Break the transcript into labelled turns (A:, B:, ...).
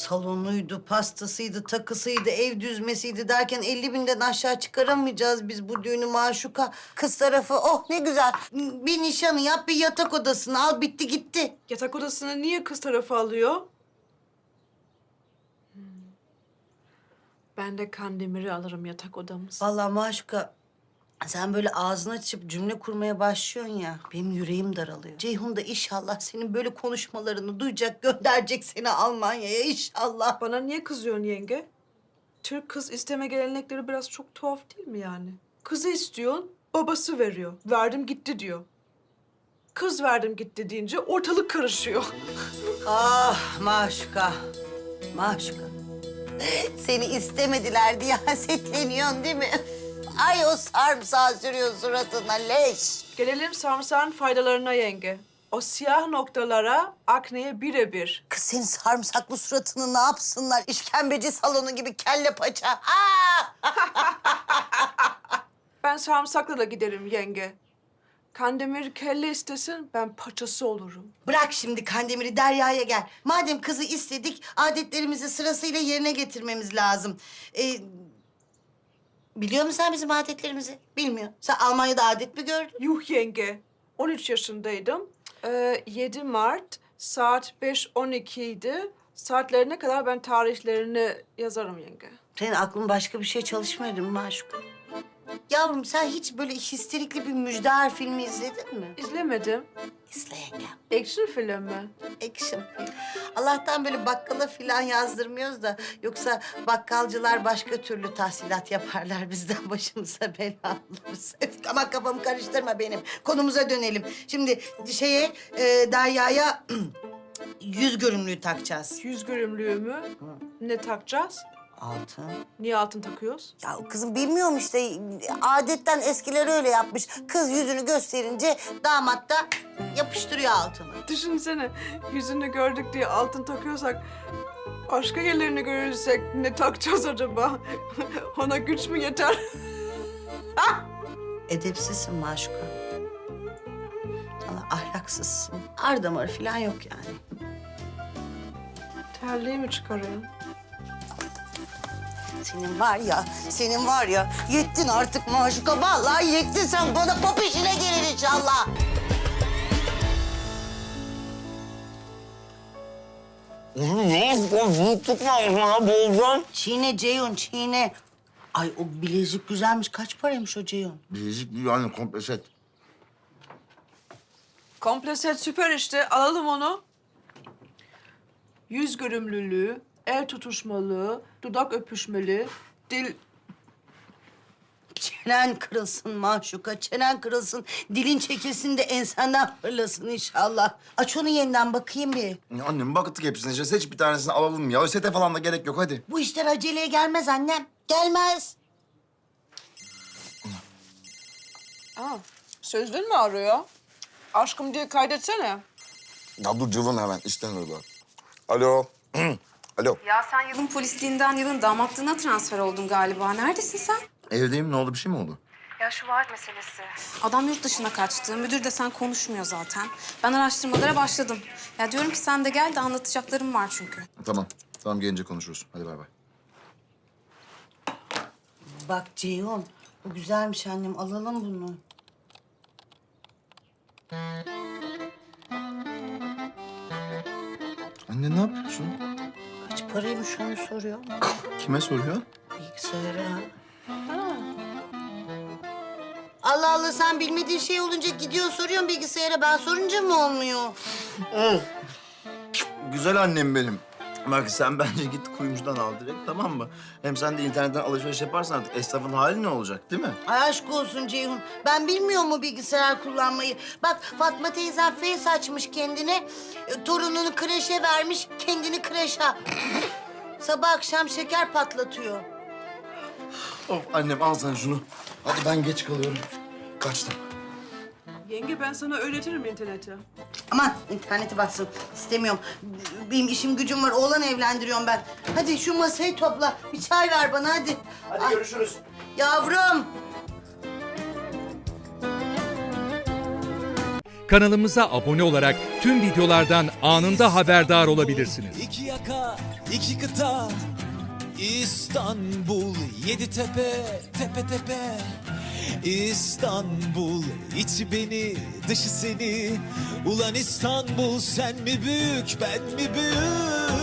A: salonuydu, pastasıydı, takısıydı, ev düzmesiydi derken 50.000'den aşağı çıkaramayacağız biz bu düğünü Maşuka. Kız tarafı oh ne güzel. Bir nişanı yap, bir yatak odasını al, bitti gitti.
B: Yatak odasını niye kız tarafı alıyor? Ben de Kandemir'i alırım yatak odamız.
A: Vallahi Maşuka sen böyle ağzını açıp cümle kurmaya başlıyorsun ya, benim yüreğim daralıyor. Ceyhun da inşallah senin böyle konuşmalarını duyacak, gönderecek seni Almanya'ya inşallah.
B: Bana niye kızıyorsun yenge? Türk kız isteme gelenekleri biraz çok tuhaf değil mi yani? Kızı istiyorsun, babası veriyor. Verdim gitti diyor. Kız verdim gitti deyince ortalık karışıyor.
A: Ah Maşuka, Maşuka. Seni istemediler diye hasetleniyorsun değil mi? Ay o sarımsağı sürüyor suratına leş.
B: Gelelim sarımsağın faydalarına yenge. O siyah noktalara, akneye birebir.
A: Kız senin sarımsaklı suratını ne yapsınlar? İşkembeci salonu gibi kelle paça. Aa!
B: Ben sarımsakla da giderim yenge. Kandemir kelle istesin, ben paçası olurum.
A: Bırak şimdi Kandemir'i, Derya'ya gel. Madem kızı istedik, adetlerimizi sırasıyla yerine getirmemiz lazım. Biliyor musun sen bizim adetlerimizi? Bilmiyor. Sen Almanya'da adet mi gördün?
B: Yuh yenge, 13 yaşındaydım. 7 Mart saat 5:12 idi. Saatlerine kadar ben tarihlerini yazarım yenge.
A: Senin aklın başka bir şey çalışmıyor değil mi Maşuka? Yavrum sen hiç böyle histerikli bir Müjdar filmi izledin mi?
B: İzlemedim.
A: İzle yengem.
B: Action film mi?
A: Action film. Allah'tan böyle bakkala falan yazdırmıyoruz da... ...yoksa bakkalcılar başka türlü tahsilat yaparlar bizden başımıza bela alırız. Ama kafamı karıştırma benim. Konumuza dönelim. Şimdi Derya'ya yüz görümlüğü takacağız.
B: Yüz görümlüğümü ne takacağız?
A: Altın.
B: Niye altın takıyoruz?
A: Ya kızım bilmiyorum işte. Adetten eskiler öyle yapmış. Kız yüzünü gösterince damat da yapıştırıyor altını.
B: Düşünsene, yüzünü gördük diye altın takıyorsak... ...başka yerlerini görürsek ne takacağız acaba? Ona güç mü yeter?
A: Edepsizsin Maşuka. Sana ahlaksızsın. Ar damarı falan yok yani.
B: Terliği mi çıkarayım?
A: Senin var ya, yettin artık Maşuka. Vallahi yettin sen, bana pop işine gelir inşallah.
C: Tutma ya, boğulacağım.
A: Çiğne Ceyhun, çiğne. Ay o bilezik güzelmiş. Kaç paraymış o Ceyhun?
C: Bilezik yani komple set.
B: Komple set süper işte. Alalım onu. Yüz görümlülüğü, el tutuşmalı, dudak öpüşmeli, dil...
A: Çenen kırılsın Maşuka, çenen kırılsın. Dilin çekilsin de ensenden fırlasın inşallah. Aç onu yeniden bakayım bir.
C: Ya annem baktık hepsine. İşte seç bir tanesini alalım ya. Sete falan da gerek yok hadi.
A: Bu işler aceleye gelmez annem. Gelmez.
B: Aa, Sözlün mü arıyor? Aşkım diye kaydetsene.
C: Ya dur cıvın hemen işten arıyorlar. Alo. Alo.
D: Ya sen yılın polisliğinden yılın damatlığına transfer oldun galiba. Neredesin sen?
C: Evdeyim. Ne oldu? Bir şey mi oldu?
D: Ya şu vaat meselesi. Adam yurt dışına kaçtı. Müdür de sen konuşmuyor zaten. Ben araştırmalara başladım. Ya diyorum ki sen de gel de anlatacaklarım var çünkü.
C: Tamam. Tamam gelince konuşuruz. Hadi bay bay.
A: Bak Ceyhun, bu güzelmiş annem. Alalım bunu.
C: Anne ne yapıyorsun?
A: Kaç paraymış onu soruyor.
C: Kime soruyor?
A: Bilgisayara. Allah Allah, sen bilmediğin şey olunca gidiyorsun soruyorsun bilgisayara. Ben sorunca mı olmuyor?
C: Güzel annem benim. Bak sen bence git kuyumcudan al direkt, tamam mı? Hem sen de internetten alışveriş yaparsan artık esnafın hali ne olacak değil mi?
A: Ay aşk olsun Ceyhun. Ben bilmiyor mu bilgisayar kullanmayı? Bak Fatma teyzem face açmış kendine. Torununu kreşe vermiş, kendini kreşe. Sabah akşam şeker patlatıyor.
C: Of annem al sen şunu. Hadi ben geç kalıyorum. Kaçtım.
B: Yenge ben sana öğretirim interneti.
A: Aman interneti bassın. İstemiyorum. Benim işim gücüm var. Oğlan evlendiriyorum ben. Hadi şu masayı topla. Bir çay ver bana hadi.
C: Hadi görüşürüz.
A: Yavrum.
E: Kanalımıza abone olarak tüm videolardan anında haberdar olabilirsiniz.
F: İki yaka, iki kıta, İstanbul, yedi tepe, tepe tepe. İstanbul, içi beni, dışı seni. Ulan İstanbul, sen mi büyük, ben mi büyük?